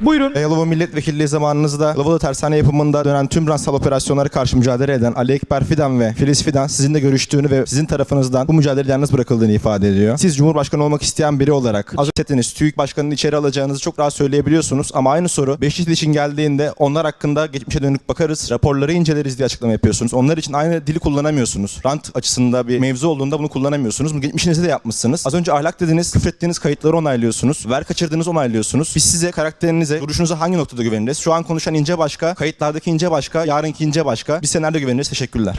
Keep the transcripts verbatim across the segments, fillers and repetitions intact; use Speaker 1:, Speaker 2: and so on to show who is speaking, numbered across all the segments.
Speaker 1: Buyurun.
Speaker 2: Yalova milletvekilliği zamanınızda Yalovalı tersane yapımında dönen tüm ransal operasyonlara karşı mücadele eden Ali Ekber Fidan ve Filiz Fidan sizinle görüştüğünü ve sizin tarafınızdan bu mücadelede yalnız bırakıldığını ifade ediyor. Siz Cumhurbaşkanı olmak isteyen biri olarak az önce TÜİK Başkanı'nı içeri alacağınızı çok rahat söyleyebiliyorsunuz ama aynı soru Beşiktaş için geldiğinde onlar hakkında geçmişe dönük bakarız, raporları inceleriz diye açıklama yapıyorsunuz. Onlar için aynı dili kullanamıyorsunuz. Rant açısında bir mevzu olduğunda bunu kullanamıyorsunuz. Bunu geçmişinizde de yapmışsınız. Az önce ahlak dediniz, küfrettiğiniz kayıtları onaylıyorsunuz. Ver kaçırdığınızı onaylıyorsunuz. Biz size, karakterinize, duruşunuza hangi noktada güveniriz? Şu an konuşan İnce başka, kayıtlardaki İnce başka, yarınki İnce başka. Biz size nerede güveniriz? Teşekkürler.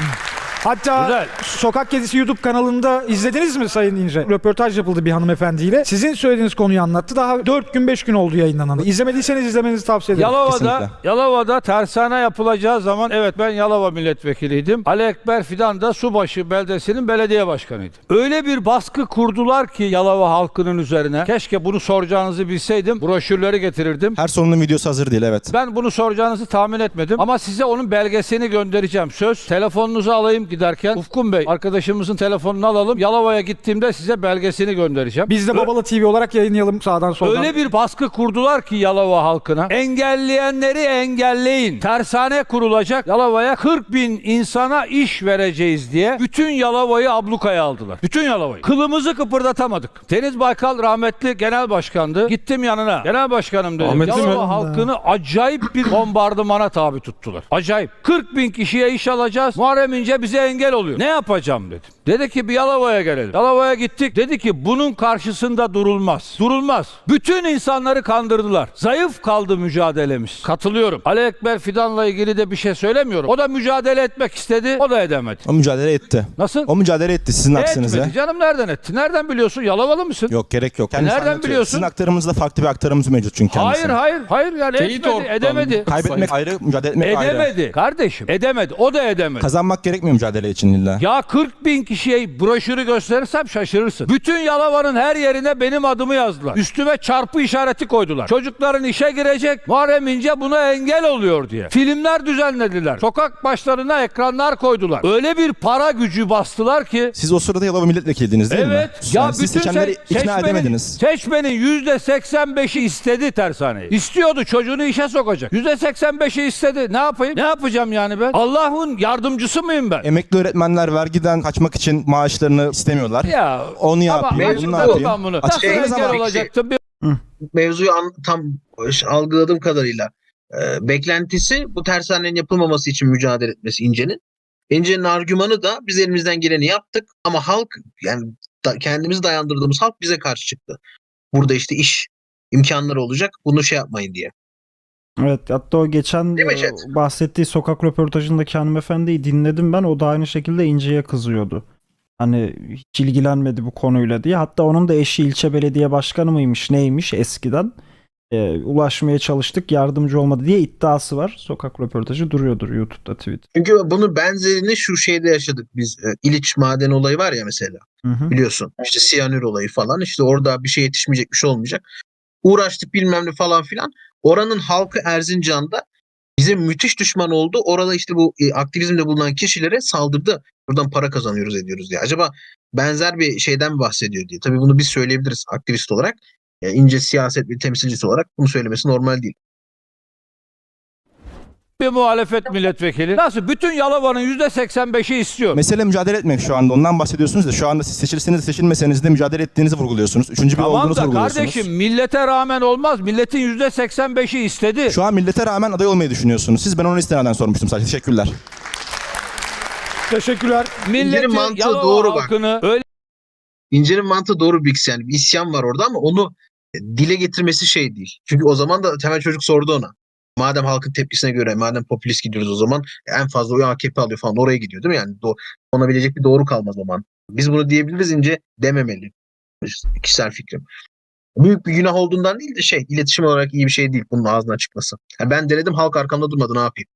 Speaker 1: Hatta
Speaker 3: Güzel.
Speaker 1: Sokak Kedisi YouTube kanalında izlediniz mi Sayın İnce? Röportaj yapıldı bir hanımefendiyle. Sizin söylediğiniz konuyu anlattı. Daha dört gün beş gün oldu yayınlanalı. İzlemediyseniz izlemenizi tavsiye ederim.
Speaker 3: Yalova'da,
Speaker 2: Kesinlikle.
Speaker 3: Yalova'da tersane yapılacağı zaman evet ben Yalova milletvekiliydim. Ali Ekber Fidan da Subaşı beldesinin belediye başkanıydı. Öyle bir baskı kurdular ki Yalova halkının üzerine. Keşke bunu soracağınızı bilseydim. Broşürleri getirirdim.
Speaker 2: Her sorunun videosu hazır değil, evet.
Speaker 3: Ben bunu soracağınızı tahmin etmedim ama size onun belgesini göndereceğim. Söz, telefonunuzu alayım giderken. Ufkun Bey arkadaşımızın telefonunu alalım. Yalova'ya gittiğimde size belgesini göndereceğim.
Speaker 1: Biz de Babala T V olarak yayınlayalım sağdan soldan.
Speaker 3: Öyle bir baskı kurdular ki Yalova halkına. Engelleyenleri engelleyin. Tersane kurulacak. Yalova'ya kırk bin insana iş vereceğiz diye bütün Yalova'yı ablukaya aldılar. Bütün Yalova'yı. Kılımızı kıpırdatamadık. Deniz Baykal rahmetli genel başkandı. Gittim yanına. Genel başkanım dedim.
Speaker 4: Ahmetli
Speaker 3: Yalova
Speaker 4: mi?
Speaker 3: halkını acayip bir bombardımana tabi tuttular. Acayip. kırk bin kişiye iş alacağız. Muharrem İnce bize engel oluyor. Ne yapacağım dedim. Dedi ki bir Yalova'ya gelelim. Yalova'ya gittik. Dedi ki bunun karşısında durulmaz. Durulmaz. Bütün insanları kandırdılar. Zayıf kaldı mücadelemiz. Katılıyorum. Ali Ekber Fidan'la ilgili de bir şey söylemiyorum. O da mücadele etmek istedi. O da edemedi.
Speaker 2: O mücadele etti.
Speaker 3: Nasıl?
Speaker 2: O mücadele etti sizin aksinize.
Speaker 3: Etmedi. Canım nereden etti? Nereden biliyorsun? Yalovalı mısın?
Speaker 2: Yok, gerek yok. Kendisi
Speaker 3: nereden
Speaker 2: anlatıyor.
Speaker 3: biliyorsun?
Speaker 2: Sizin aktarımızda farklı bir aktarımız mevcut çünkü kendisi.
Speaker 3: Hayır hayır. Hayır yani
Speaker 4: Teyit
Speaker 3: etmedi.
Speaker 4: ortadan.
Speaker 3: Edemedi.
Speaker 2: Kaybetmek ayrı, mücadele etmek ayrı.
Speaker 3: Edemedi. Kardeşim edemedi. O da edemedi.
Speaker 2: Kazanmak gerekmiyor mücadele için illa.
Speaker 3: Ya kırk bin kişiye broşürü gösterirsem şaşırırsın. Bütün Yalova'nın her yerine benim adımı yazdılar. Üstüme çarpı işareti koydular. Çocukların işe girecek. Muharrem İnce buna engel oluyor diye. Filmler düzenlediler. Sokak başlarına ekranlar koydular. Öyle bir para gücü bastılar ki.
Speaker 2: Siz o sırada Yalova milletvekiliydiniz değil mi?
Speaker 3: Evet.
Speaker 2: Yani
Speaker 3: Ya
Speaker 2: siz
Speaker 3: bütün
Speaker 2: seçmenleri
Speaker 3: se-
Speaker 2: ikna
Speaker 3: seçmenin,
Speaker 2: edemediniz.
Speaker 3: seçmenin yüzde seksen beşi istedi tersaneyi. İstiyordu, çocuğunu işe sokacak. yüzde seksen beşi istedi. Ne yapayım? Ne yapacağım yani ben? Allah'ın yardımcısı mıyım ben?
Speaker 2: Emekli öğretmenler vergiden kaçmak için maaşlarını istemiyorlar.
Speaker 3: Ya
Speaker 2: Onu
Speaker 3: ama
Speaker 2: yapıyor. Bunu ne
Speaker 3: açıkladım
Speaker 2: yapayım?
Speaker 3: ben bunu. Nasıl
Speaker 2: Açıkladınız
Speaker 3: engel
Speaker 2: ama
Speaker 3: olacaktım? Bir
Speaker 5: Mevzuyu an- tam algıladığım kadarıyla e, beklentisi bu tersanenin yapılmaması için mücadele etmesi İnce'nin. İnce'nin argümanı da biz elimizden geleni yaptık ama halk, yani da, kendimizi dayandırdığımız halk bize karşı çıktı. Burada işte iş imkanları olacak, bunu şey yapmayın diye.
Speaker 6: Evet, hatta o geçen
Speaker 5: Değil mi
Speaker 6: e,
Speaker 5: Chat?
Speaker 6: bahsettiği sokak röportajındaki hanımefendiyi dinledim ben. O da aynı şekilde İnce'ye kızıyordu. Hani hiç ilgilenmedi bu konuyla diye. Hatta onun da eşi ilçe belediye başkanı mıymış neymiş eskiden. E, ulaşmaya çalıştık, yardımcı olmadı diye iddiası var. Sokak röportajı duruyordur YouTube'da, Twitter.
Speaker 5: Çünkü bunun benzerini şu şeyde yaşadık biz. E, İliç maden olayı var ya mesela,
Speaker 6: Hı hı.
Speaker 5: biliyorsun. İşte siyanür olayı falan. İşte orada bir şey yetişmeyecek, bir şey olmayacak. Uğraştık bilmem ne falan filan. Oranın halkı Erzincan'da bize müthiş düşman oldu. Orada işte bu e, aktivizmde bulunan kişilere saldırdı. Buradan para kazanıyoruz ediyoruz diye. Acaba benzer bir şeyden mi bahsediyor diye. Tabii bunu biz söyleyebiliriz aktivist olarak. Yani İnce siyaset bir temsilcisi olarak bunu söylemesi normal değil.
Speaker 3: bir muhalefet milletvekili. Nasıl? Bütün Yalova'nın yüzde seksen beşi istiyor.
Speaker 2: Mesele mücadele etmek şu anda. Ondan bahsediyorsunuz da şu anda siz seçilirseniz de seçilmeseniz de mücadele ettiğinizi vurguluyorsunuz. Üçüncü bir
Speaker 3: Tamam
Speaker 2: olduğunuzu
Speaker 3: da
Speaker 2: vurguluyorsunuz.
Speaker 3: kardeşim millete rağmen olmaz. Milletin yüzde seksen beşi istedi.
Speaker 2: Şu an millete rağmen aday olmayı düşünüyorsunuz. Siz, ben onu istinaden sormuştum sadece. Teşekkürler.
Speaker 1: Teşekkürler.
Speaker 3: Milletin
Speaker 5: İnce'nin mantığı
Speaker 3: Yalova
Speaker 5: doğru bak.
Speaker 3: halkını öyle
Speaker 5: İnce'nin mantığı doğru bir yani bir isyan var orada ama onu e, dile getirmesi şey değil. Çünkü o zaman da temel çocuk sordu ona. Madem halkın tepkisine göre, madem popülist gidiyoruz o zaman en fazla oyu A K P alıyor falan, oraya gidiyor değil mi? Yani do- ona bilecek bir doğru kalmaz o zaman. Biz bunu diyebiliriz, İnce dememeli. Kişisel fikrim. Büyük bir günah olduğundan değil de şey, iletişim olarak iyi bir şey değil bunun ağzından çıkması. Yani ben denedim, halk arkamda durmadı, ne yapayım?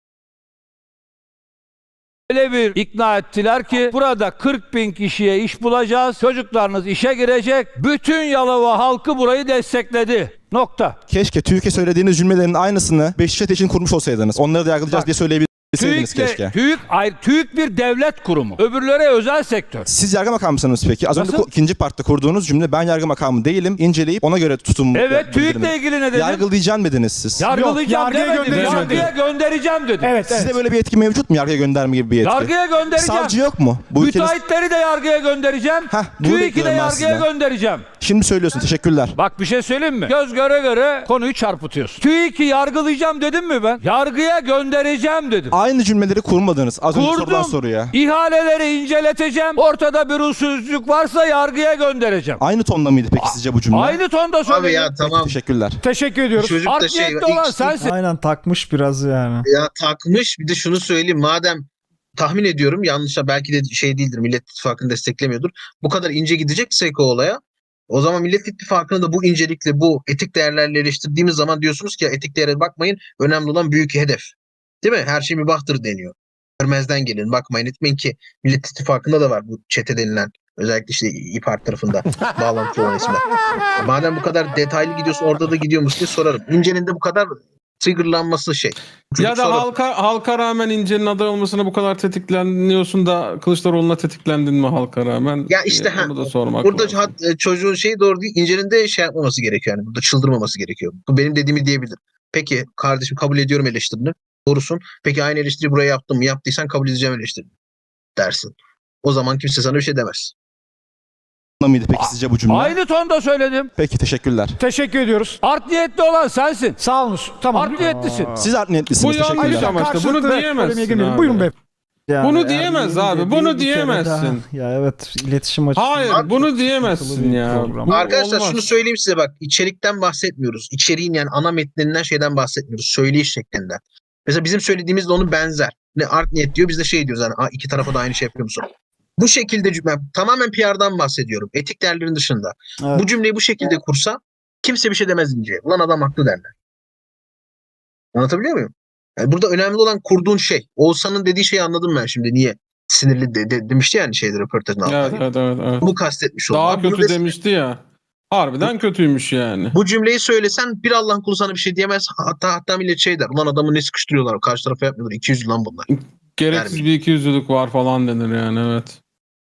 Speaker 3: Öyle bir ikna ettiler ki burada kırk bin kişiye iş bulacağız. Çocuklarınız işe girecek. Bütün Yalova halkı burayı destekledi. Nokta.
Speaker 2: Keşke TÜİK'e söylediğiniz cümlelerin aynısını Beşiktaş için kurmuş olsaydınız. Onları da yargılayacağız
Speaker 3: Bak.
Speaker 2: diye söyleyebilirsiniz. Deseydiniz
Speaker 3: TÜİK'le,
Speaker 2: keşke.
Speaker 3: TÜİK, ayrı, TÜİK bir devlet kurumu. Öbürleri özel sektör.
Speaker 2: Siz yargı makamı mısınız peki? Az önce
Speaker 3: Nasıl?
Speaker 2: ku- ikinci partta kurduğunuz cümle ben yargı makamı değilim. İnceleyip ona göre tutum
Speaker 3: Evet,
Speaker 2: bildirimi.
Speaker 3: TÜİK'le ilgili ne dedin?
Speaker 2: Yargılayacağım dediniz siz.
Speaker 3: Yargılayacağım
Speaker 1: Yok, yargıya
Speaker 3: demedim.
Speaker 1: göndereceğim
Speaker 3: Yargıya göndereceğim dedim.
Speaker 1: Evet, evet.
Speaker 2: Sizde böyle bir yetki mevcut mu? Yargıya gönderme gibi bir yetki.
Speaker 3: Yargıya göndereceğim.
Speaker 2: Savcı yok mu? Bu ülkenin...
Speaker 3: Müteahhitleri de yargıya göndereceğim.
Speaker 2: Heh, bunu
Speaker 3: TÜİK'i de
Speaker 2: bekliyorum ben
Speaker 3: yargıya
Speaker 2: sizden.
Speaker 3: göndereceğim.
Speaker 2: Şimdi söylüyorsun. Teşekkürler.
Speaker 3: Bak bir şey söyleyeyim mi? Göz göre göre konuyu çarpıtıyorsun. TÜİK'i yargılayacağım dedim mi ben? Yargıya göndereceğim dedim.
Speaker 2: Aynı cümleleri kurmadınız. Az önce sorulan
Speaker 3: Kurdum.
Speaker 2: soruya.
Speaker 3: İhaleleri inceleteceğim. Ortada bir usulsüzlük varsa yargıya göndereceğim.
Speaker 2: Aynı tonda mıydı peki sizce bu cümle?
Speaker 3: Aynı tonda
Speaker 5: Abi
Speaker 3: söyledim.
Speaker 5: ya tamam.
Speaker 2: Teşekkürler.
Speaker 1: Teşekkür ediyoruz.
Speaker 5: Çocuk da
Speaker 3: Art
Speaker 5: şey
Speaker 3: niyetli olan
Speaker 5: ilk-
Speaker 3: sensin.
Speaker 6: Aynen takmış biraz yani.
Speaker 5: Ya takmış, bir de şunu söyleyeyim, madem tahmin ediyorum yanlışa belki de şey değildir, Millet İttifakı'nı desteklemiyordur. Bu kadar ince gideceksek o olaya, o zaman Millet İttifakı'nı da bu incelikle, bu etik değerlerle eleştirdiğimiz zaman diyorsunuz ki ya, etik değere bakmayın, önemli olan büyük hedef. Değil mi? Her şey mübahtır deniyor. Görmezden gelin, bakmayın etmeyin ki Millet İttifakı'nda da var bu çete denilen, özellikle işte İYİ Parti tarafında bağlantılı olan isimler. Madem bu kadar detaylı gidiyorsun, orada da gidiyor musun diye sorarım. İnce'nin de bu kadar triggerlanması şey. Çocuk
Speaker 4: Ya da
Speaker 5: sonra-
Speaker 4: halka halka rağmen İnce'nin aday olmasına bu kadar tetikleniyorsun da Kılıçdaroğlu'na tetiklendin mi halka rağmen?
Speaker 5: Ya işte
Speaker 4: Ee,
Speaker 5: ha,
Speaker 4: onu da sormak
Speaker 5: burada
Speaker 4: lazım.
Speaker 5: hat- e, çocuğun şeyi doğru değil. İnce'nin de şey yapmaması gerekiyor yani. Burada çıldırmaması gerekiyor. Bu benim dediğimi diyebilir. Peki kardeşim, kabul ediyorum eleştirini. Doğrusun. Peki aynı eleştiri buraya yaptım mı? Yaptıysan kabul edeceğim eleştirini dersin. O zaman kimse sana bir şey demez.
Speaker 2: Tonda mıydı peki sizce bu cümle?
Speaker 3: Aynı tonda söyledim.
Speaker 2: Peki teşekkürler.
Speaker 1: Teşekkür ediyoruz.
Speaker 3: Art niyetli olan sensin.
Speaker 1: Sağ olunuz. Tamam.
Speaker 3: Art niyetlisin.
Speaker 2: Siz art niyetlisiniz.
Speaker 4: Bu yanlış
Speaker 2: Teşekkürler.
Speaker 4: ama işte bunu
Speaker 1: Karşılıklı
Speaker 4: diyemezsin
Speaker 1: polemiğe girmeyelim.
Speaker 4: abi.
Speaker 1: Buyurun beyefendi.
Speaker 6: Yani
Speaker 4: Bunu
Speaker 6: Erdoğan'ın
Speaker 4: diyemez abi,
Speaker 6: dediği
Speaker 4: bunu
Speaker 6: bir kere
Speaker 4: diyemezsin.
Speaker 6: daha- Ya evet, iletişim açısından.
Speaker 4: Hayır,
Speaker 5: Abi,
Speaker 4: bunu
Speaker 6: sıkıntılı
Speaker 4: diyemezsin
Speaker 6: bir
Speaker 4: ya.
Speaker 6: program.
Speaker 4: Bu
Speaker 5: Arkadaşlar
Speaker 4: olmaz.
Speaker 5: şunu söyleyeyim size, bak, içerikten bahsetmiyoruz. İçeriğin yani ana metninden şeyden bahsetmiyoruz. Söyleyiş şeklinden. Mesela bizim söylediğimiz de onun benzer. Ne art niyet diyor, biz de şey diyoruz yani, "Aa, iki tarafa da aynı şey yapıyor musun?" Bu şekilde cümle, tamamen P R'dan bahsediyorum. Etik değerlerin dışında.
Speaker 6: Evet.
Speaker 5: Bu cümleyi bu şekilde kursa kimse bir şey demez İnce'ye. Ulan adam haklı derler. Anlatabiliyor muyum? Yani burada önemli olan kurduğun şey. Oğuzhan'ın dediği şeyi anladım ben şimdi. Niye sinirli de, de- demişti yani şeyde, röportajın altında.
Speaker 4: Evet, evet, evet, evet.
Speaker 5: Bu kastetmiş oldu.
Speaker 4: Daha
Speaker 5: Abi bunu
Speaker 4: kötü
Speaker 5: des-
Speaker 4: demişti ya. Harbiden kötüymüş yani.
Speaker 5: Bu cümleyi söylesen bir Allah'ın kulu sana bir şey diyemez. Hatta hatta millet şey der. Ulan adamı ne sıkıştırıyorlar? Karşı tarafa yapmıyorlar. iki yüz lan bunlar.
Speaker 4: Gereksiz
Speaker 5: Yani-
Speaker 4: bir ikiyüzlülük var falan denir yani, evet.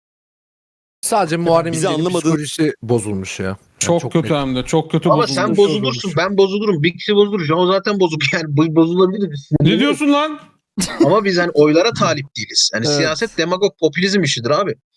Speaker 7: Sadece Muharrem
Speaker 8: Bizi
Speaker 7: İnce'nin
Speaker 8: anlamadığı-
Speaker 7: psikolojisi bozulmuş ya. Yani
Speaker 4: Çok, kötü
Speaker 7: net.
Speaker 4: hem de. Çok kötü
Speaker 5: Ama
Speaker 4: bozulmuş.
Speaker 5: sen bozulursun. Ben bozulurum. Bir kişi bozulur. O zaten bozuk. Yani bu bozulabilir. Biz
Speaker 4: Ne diyorsun lan?
Speaker 5: Ama biz hani oylara talip değiliz. Yani
Speaker 7: Evet.
Speaker 5: siyaset demagog popülizm işidir abi.